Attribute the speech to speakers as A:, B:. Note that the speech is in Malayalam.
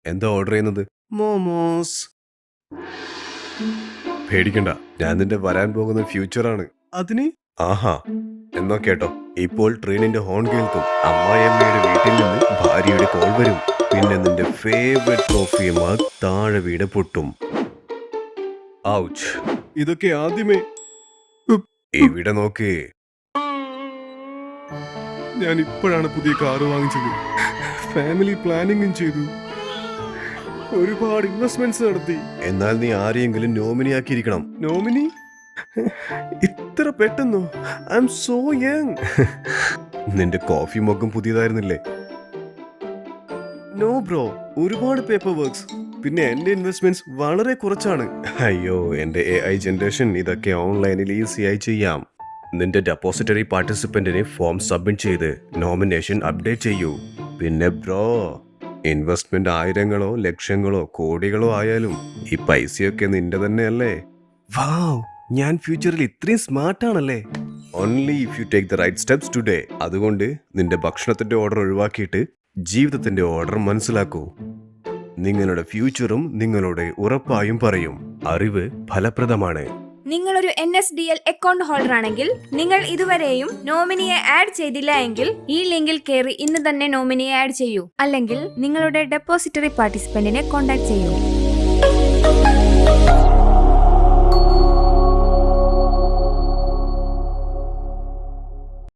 A: എന്താ ഓർഡർ ചെയ്യുന്നത്? മോമോസ്. പേടിക്കണ്ട, ഞാൻ നിന്റെ വരാൻ പോകുന്ന ഫ്യൂച്ചറാണ്. അതിന് ആഹാ എന്നോ കേട്ടോ. ഇപ്പോൾ ട്രെയിനിന്റെ ഹോൺ കേൾക്കും, അമ്മായിയമ്മയുടെ വീട്ടിൽ നിന്ന് ഭാര്യയുടെ കോൾ വരും, പിന്നെ നിന്റെ ഫേവറേറ്റ് കോഫി മഗ് താഴെ വീട് പൊട്ടും. ഔച്ച്. ഇതൊക്കെ ആദ്യമേ ഇവിടെ നോക്ക്. ഞാൻ ഇപ്പോഴാണ് പുതിയ കാറ് വാങ്ങിച്ചത്, ഫാമിലി പ്ലാനിങ്ങും ചെയ്തു, ഒരുപാട് ഇൻവെസ്റ്റ്മെന്റ്സ് നടത്തി. എന്നാൽ നീ ആരെയെങ്കിലും നോമിനി ആക്കിയിരിക്കണം. നോമിനി? ഇത്ര പെട്ടെന്നോ? I'm so young. നിന്റെ കോഫി മൊഗ്ഗും പുതിയതായിരുന്നില്ലേ? നോ ബ്രോ, ഒരുപാട് പേപ്പർ വർക്ക്സ്, പിന്നെ എന്റെ ഇൻവെസ്റ്റ്മെന്റ്സ് വളരെ കുറച്ചാണ്. അയ്യോ, എന്റെ AI ജനറേഷൻ ഇതൊക്കെ ഓൺലൈനിൽ ഈസിയായി ചെയ്യാം. നിന്റെ ഡെപ്പോസിറ്ററി പാർട്ടിസിപ്പന്റിന് ഫോം സബ്മിറ്റ് ചെയ്ത് നോമിനേഷൻ അപ്ഡേറ്റ് ചെയ്യൂ. പിന്നെ ബ്രോ, ഇൻവെസ്റ്റ്മെന്റ് ആയിരങ്ങളോ ലക്ഷങ്ങളോ കോടികളോ ആയാലും ഈ പൈസയൊക്കെ നിന്റെ തന്നെയല്ലേ? വാവ്, ഞാൻ ഫ്യൂച്ചറിൽ ഇത്രയും സ്മാർട്ട് ആണല്ലേ? Only if you take the right steps today. അതുകൊണ്ട് നിന്റെ ഭക്ഷണത്തിന്റെ ഓർഡർ ഒഴിവാക്കിയിട്ട് ജീവിതത്തിന്റെ ഓർഡർ മനസ്സിലാക്കൂ. നിങ്ങളുടെ ഫ്യൂച്ചറും നിങ്ങളോട് ഉറപ്പായും പറയും, അറിവ് ഫലപ്രദമാണ്.
B: നിങ്ങളൊരു NSDL അക്കൗണ്ട് ഹോൾഡർ ആണെങ്കിൽ നിങ്ങൾ ഇതുവരെയും നോമിനിയെ ആഡ് ചെയ്തില്ല എങ്കിൽ ഈ ലിങ്കിൽ കയറി ഇന്ന് തന്നെ നോമിനിയെ ആഡ് ചെയ്യൂ. അല്ലെങ്കിൽ നിങ്ങളുടെ ഡെപ്പോസിറ്ററി പാർട്ടിസിപ്പന്റിനെ കോൺടാക്ട് ചെയ്യൂ.